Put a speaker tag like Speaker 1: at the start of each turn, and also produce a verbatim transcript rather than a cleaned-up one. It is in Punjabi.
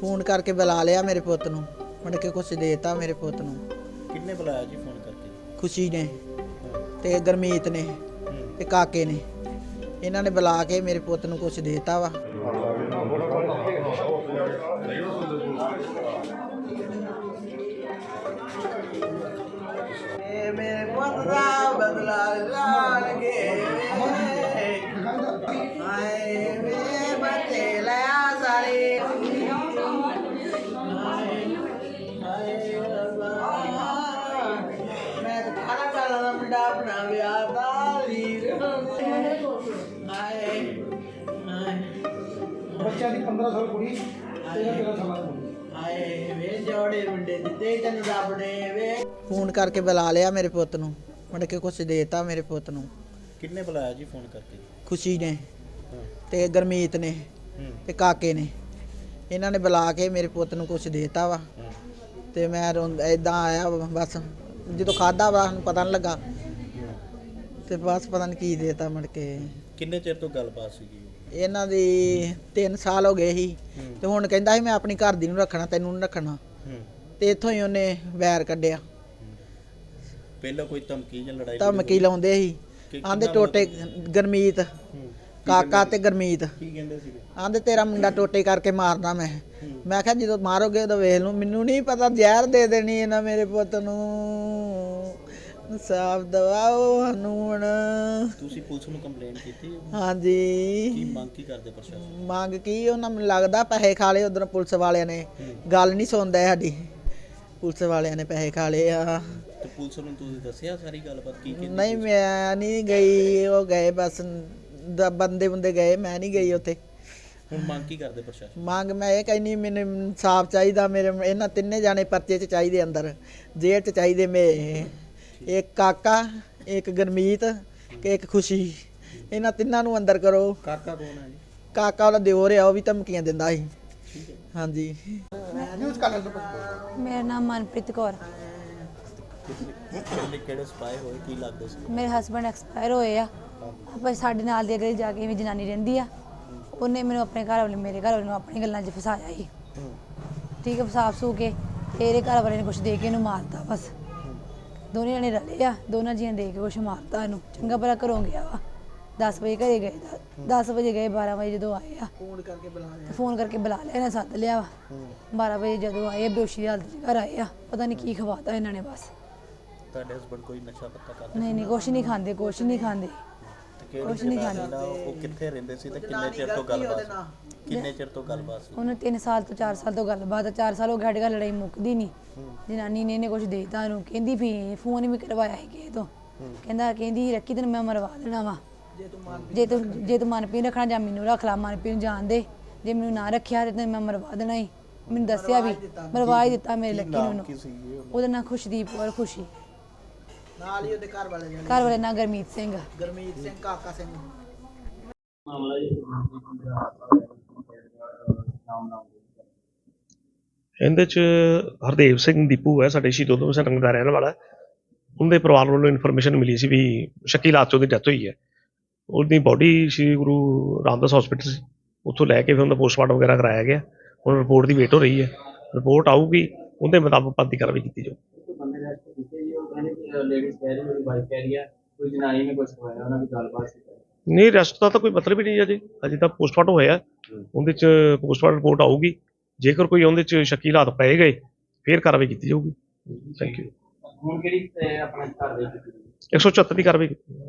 Speaker 1: फोन करके बुला लिया मेरे पुत नूं, मुड़ के कुछ देता मेरे पुत नूं।
Speaker 2: किन्ने बुलाया जी फोन करके?
Speaker 1: खुशी ने ते गुरमीत ने ते काके ने, इन्हां ने बुला के मेरे पुत नूं कुछ देता वा। मेरे पुत दा बदला लाणगे हाय वे बच्चे लिया सारे मैं तो खाना खाना दा मुंडा अपना विआह दा वीर हाय हाय
Speaker 3: बच्चा दी पंद्रह साल कुड़ी तेरह तेरह साल दी
Speaker 1: हाय वे जोड़े मुंडे दिते तैनूं रब ने वे फोन करके बुला लिया मेरे पुत नूं, मुड़ के कुछ देता मेरे पुत नूं।
Speaker 2: किन्ने बुलाया जी फोन करके?
Speaker 1: खुशी ने ते गुरमीत ने ते काके ने, इन्हां ने बुला के मेरे पुत नूं कुछ देता वा। ते मैं इदां आया बस जो खादा वा पता नहीं लगा ते बस पता नहीं की देता मुड़ के।
Speaker 2: किन्ने चिर तो गलबात सीगी?
Speaker 1: इन्हां दी तीन साल हो गए ही ते हुण कहंदा ਸੀ मैं अपनी घर दी नूं रखना तैनूं नहीं रखना ते इत्थों ही ਉਹਨੇ ਵੈਰ ਕੱਢਿਆ।
Speaker 2: ਪਹਿਲਾਂ ਕੋਈ ਧਮਕੀ ਜਾਂ ਲੜਾਈ
Speaker 1: ਧਮਕੀ ਲਾਉਂਦੇ ਸੀ ਆਂਦੇ ਟੋਟੇ ਗੁਰਮੀਤ ਕਾਕਾ ਤੇ ਗੁਰਮੀਤ
Speaker 2: ਕੀ ਕਹਿੰਦੇ ਸੀਗੇ?
Speaker 1: ਆਂਦੇ ਤੇਰਾ ਮੁੰਡਾ ਟੋਟੇ ਕਰਕੇ ਮਾਰਨਾ। ਮੈਂ ਮੈਂ ਕਿਹਾ ਜਦੋਂ ਮਾਰੋਗੇ ਉਦੋਂ ਵੇਖ ਲੂ, ਮੈਨੂੰ ਨਹੀਂ ਪਤਾ ਜ਼ਹਿਰ ਦੇ ਦੇਣੀ ਇਹਨਾਂ ਮੇਰੇ ਪੁੱਤ ਨੂੰ। ਇਨਸਾਫ ਦਵਾਓ ਸਾਨੂੰ ਹੁਣ।
Speaker 2: ਤੁਸੀਂ ਪੁਲਿਸ ਨੂੰ ਕੰਪਲੇਂਟ ਕੀਤੀ?
Speaker 1: ਹਾਂਜੀ।
Speaker 2: ਕੀ ਮੰਗ ਕੀ ਕਰਦੇ ਪ੍ਰਸ਼ਾਸਨ?
Speaker 1: ਮੰਗ ਕੀ ਉਹਨਾਂ ਮੈਨੂੰ ਲੱਗਦਾ ਪੈਸੇ ਖਾ ਲਏ ਉਧਰ ਪੁਲਿਸ ਵਾਲਿਆਂ ਨੇ, ਗੱਲ ਨਹੀਂ ਸੁਣਦਾ ਸਾਡੀ। ਪੁਲਿਸ ਵਾਲਿਆਂ ਨੇ ਪੈਸੇ ਖਾ ਲਏ ਆ।
Speaker 2: ਤੇ ਪੁਲਿਸ ਨੂੰ ਤੁਸੀਂ ਦੱਸਿਆ ਸਾਰੀ ਗੱਲਬਾਤ ਕੀ ਕੀਤੀ?
Speaker 1: ਨਹੀਂ ਮੈਂ ਨਹੀਂ ਗਈ, ਉਹ ਗਏ ਬਸ ਬੰਦੇ ਬੰਦੇ ਗਏ, ਮੈਂ ਨਹੀਂ ਗਈ ਉੱਥੇ।
Speaker 2: ਹੁਣ ਮੰਗ ਕੀ ਕਰਦੇ ਪ੍ਰਸ਼ਾਸਨ? ਮੰਗ
Speaker 1: ਮੈਂ ਇਹ ਕਹਿੰਦੀ ਮੈਨੂੰ ਇਨਸਾਫ ਚਾਹੀਦਾ, ਮੇਰੇ ਇਹਨਾਂ ਤਿੰਨੇ ਜਾਣੇ ਪਰਚੇ 'ਚ ਚਾਹੀਦੇ, ਅੰਦਰ ਜੇਲ੍ਹ 'ਚ ਚਾਹੀਦੇ। ਮੇ ਇੱਕ ਕਾਕਾ, ਇੱਕ ਗੁਰਮੀਤ ਤੇ ਇੱਕ ਖੁਸ਼ੀ, ਇਹਨਾਂ ਤਿੰਨਾਂ ਨੂੰ ਅੰਦਰ ਕਰੋ।
Speaker 2: ਕਾਕਾ ਕੌਣ ਹੈ ਜੀ?
Speaker 1: ਕਾਕਾ ਉਹਦਾ ਦਿਓਰ ਆ, ਉਹ ਵੀ ਧਮਕੀਆਂ ਦਿੰਦਾ ਸੀ। ਹਾਂਜੀ।
Speaker 4: ਮੇਰਾ ਨਾਮ ਮਨਪ੍ਰੀਤ ਕੌਰ।
Speaker 2: ਕਿਹੜੇ ਕਿਹੜੇ ਸਪਾਈ ਹੋਏ, ਕੀ ਲੱਗਦਾ ਸੀ?
Speaker 4: ਮੇਰੇ ਹਸਬੰਡ ਐਕਸਪਾਇਰ ਹੋਏ ਆ। ਆਪਾਂ ਸਾਡੇ ਨਾਲ ਦੇ ਅਗਲੇ ਜਾ ਕੇ ਵੀ ਜਨਾਨੀ ਰਹਿੰਦੀ ਆ, ਉਹਨੇ ਮੈਨੂੰ ਆਪਣੇ ਘਰ ਵਾਲੇ ਮੇਰੇ ਘਰ ਵਾਲੇ ਨੂੰ ਆਪਣੀ ਗੱਲਾਂ 'ਚ ਫਸਾਇਆ ਸੀ। ਠੀਕ ਹੈ, ਫਸਾ ਫਸੂ ਕੇ ਇਹਦੇ ਘਰ ਵਾਲੇ ਨੇ ਕੁਛ ਦੇ ਕੇ ਇਹਨੂੰ ਮਾਰਤਾ। ਬਸ ਦੋਨੇ ਜਣੇ ਰਲੇ ਆ, ਦੋਨਾਂ ਜੀਆਂ ਦੇ ਕੇ ਕੁਛ ਮਾਰਤਾ ਇਹਨੂੰ। ਚੰਗਾ ਭਲਾ ਘਰੋਂ ਗਿਆ ਵਾ, ਦਸ ਵਜੇ ਘਰੇ ਗਏ, ਦਸ ਵਜੇ ਗਏ, ਬਾਰਾਂ ਵਜੇ ਜਦੋਂ ਆਏ ਆ
Speaker 1: ਫੋਨ ਕਰਕੇ ਬੁਲਾ ਲਿਆ
Speaker 4: ਫੋਨ ਕਰਕੇ ਬੁਲਾ ਲਿਆ ਇਹਨਾਂ, ਸੱਦ ਲਿਆ ਵਾ। ਬਾਰਾਂ ਵਜੇ ਜਦੋਂ ਆਏ ਬੇਹੋਸ਼ੀ ਦੀ ਹਾਲਤ 'ਚ ਘਰ ਆਏ ਆ, ਪਤਾ ਨਹੀਂ ਕੀ ਖਵਾਤਾ ਇਹਨਾਂ ਨੇ। ਬਸ
Speaker 2: ਤੁਹਾਡੇ ਹਸਬੰਡ ਕੋਈ ਨਸ਼ਾ ਪੱਤਾ ਕਰਦੇ?
Speaker 4: ਨਹੀਂ ਨਹੀਂ, ਕੁਛ ਨਹੀਂ ਖਾਂਦੇ, ਕੁਛ ਨਹੀਂ ਖਾਂਦੇ, ਕੁਛ ਨਹੀਂ ਖਾਂਦੇ।
Speaker 2: ਉਹ ਕਿੱਥੇ ਰਹਿੰਦੇ ਸੀ ਤੇ ਕਿੰਨੇ ਚਿਰ ਤੋਂ ਗੱਲਬਾਤ ਕਿੰਨੇ ਚਿਰ ਤੋਂ ਗੱਲਬਾਤ ਸੀ?
Speaker 4: ਉਹਨੇ ਤਿੰਨ ਸਾਲ ਤੋਂ ਚਾਰ ਸਾਲ ਤੋਂ ਗੱਲਬਾਤ, ਚਾਰ ਸਾਲ ਹੋ ਗਏ ਸਾਡੇ ਘਰ ਲੜਾਈ ਮੁੱਕਦੀ ਨਹੀਂ। ਜਨਾਨੀ ਨੇ ਇਹਨੇ ਕੁਛ ਦੇਤਾ ਇਹਨੂੰ, ਕਹਿੰਦੀ ਵੀ ਫੋਨ ਵੀ ਕਰਵਾਇਆ ਸੀ ਕਿਸੇ ਤੋਂ, ਕਹਿੰਦਾ ਕਹਿੰਦੀ ਰੱਖੀ ਤੈਨੂੰ ਮੈਂ ਮਰਵਾ ਦੇਣਾ ਵਾ, ਜੇ ਤੂੰ ਜੇ ਤੂੰ ਮਨਪ੍ਰੀਤ ਰੱਖਣਾ ਜਾਂ ਮੈਨੂੰ ਰੱਖ ਲਾ, ਮਨਪ੍ਰੀਤ ਨੂੰ ਜਾਣ ਦੇ, ਜੇ ਮੈਨੂੰ ਨਾ ਰੱਖਿਆ ਤੇ ਤੈਨੂੰ ਮੈਂ ਮਰਵਾ ਦੇਣਾ ਹੀ। ਮੈਨੂੰ ਦੱਸਿਆ ਵੀ, ਮਰਵਾ ਹੀ ਦਿੱਤਾ ਮੇਰੇ ਲੱਕੀ ਨੂੰ। ਉਹਦਾ ਨਾਂ ਖੁਸ਼ਦੀਪ ਔਰ ਖੁਸ਼ੀ,
Speaker 1: ਨਾਲ ਹੀ ਉਹਦੇ ਘਰ ਵਾਲੇ ਨੇ
Speaker 4: ਘਰ ਵਾਲੇ ਨਾਂ ਗੁਰਮੀਤ ਸਿੰਘ।
Speaker 1: ਗੁਰਮੀਤ ਸਿੰਘ, ਕਾਕਾ ਸਿੰਘ।
Speaker 5: ਇਹਦੇ 'ਚ ਹਰਦੇਵ ਸਿੰਘ ਦੀਪੂ ਹੈ, ਸਾਡੇ ਸ਼ਹੀਦ ਊਧਮ ਸਿੰਘ ਨਗਰ ਦਾ ਰਹਿਣ ਵਾਲਾ। ਉਹਦੇ ਪਰਿਵਾਰ ਵੱਲੋਂ ਇਨਫੋਰਮੇਸ਼ਨ ਮਿਲੀ ਸੀ ਵੀ ਸ਼ੱਕੀ ਹਾਲਾਤ 'ਚ ਉਹਦੀ ਡੈਥ ਹੋਈ ਹੈ। ਉਹਦੀ ਬੋਡੀ ਸ਼੍ਰੀ ਗੁਰੂ ਰਾਮਦਾਸ ਹਸਪੀਟਲ ਸੀ, ਉੱਥੋਂ ਲੈ ਕੇ ਫਿਰ ਉਹਦਾ ਪੋਸਟਮਾਰਟਮ ਵਗੈਰਹ ਕਰਾਇਆ ਗਿਆ। ਹੁਣ ਰਿਪੋਰਟ ਦੀ ਵੇਟ ਹੋ ਰਹੀ ਹੈ, ਰਿਪੋਰਟ ਆਊਗੀ, ਉਹਦੇ ਮੁਤਾਬਕ ਬਣਦੀ ਕਾਰਵਾਈ ਕੀਤੀ ਜਾਊ। ਨਹੀਂ, ਰੈਸਟ ਦਾ ਤਾਂ ਕੋਈ ਮਤਲਬ ਹੀ ਨਹੀਂ ਅਜੇ, ਅਜੇ ਤਾਂ ਪੋਸਟਮਾਰਟਮ ਹੋਇਆ, ਉਹਦੇ 'ਚ ਪੋਸਟਮਾਰਟਮ ਰਿਪੋਰਟ ਆਊਗੀ। ਜੇਕਰ ਕੋਈ ਉਹਦੇ 'ਚ ਸ਼ੱਕੀ ਹਾਲਾਤ ਪਏ ਗਏ ਫਿਰ ਕਾਰਵਾਈ ਕੀਤੀ ਜਾਊਗੀ। Thank you. ਹੁਣ ਕਿਹੜੀ ਆਪਣਾ ਇੱਕ ਸੌ ਚੁਹੱਤਰ ਦੀ ਕਾਰਵਾਈ ਕੀਤੀ।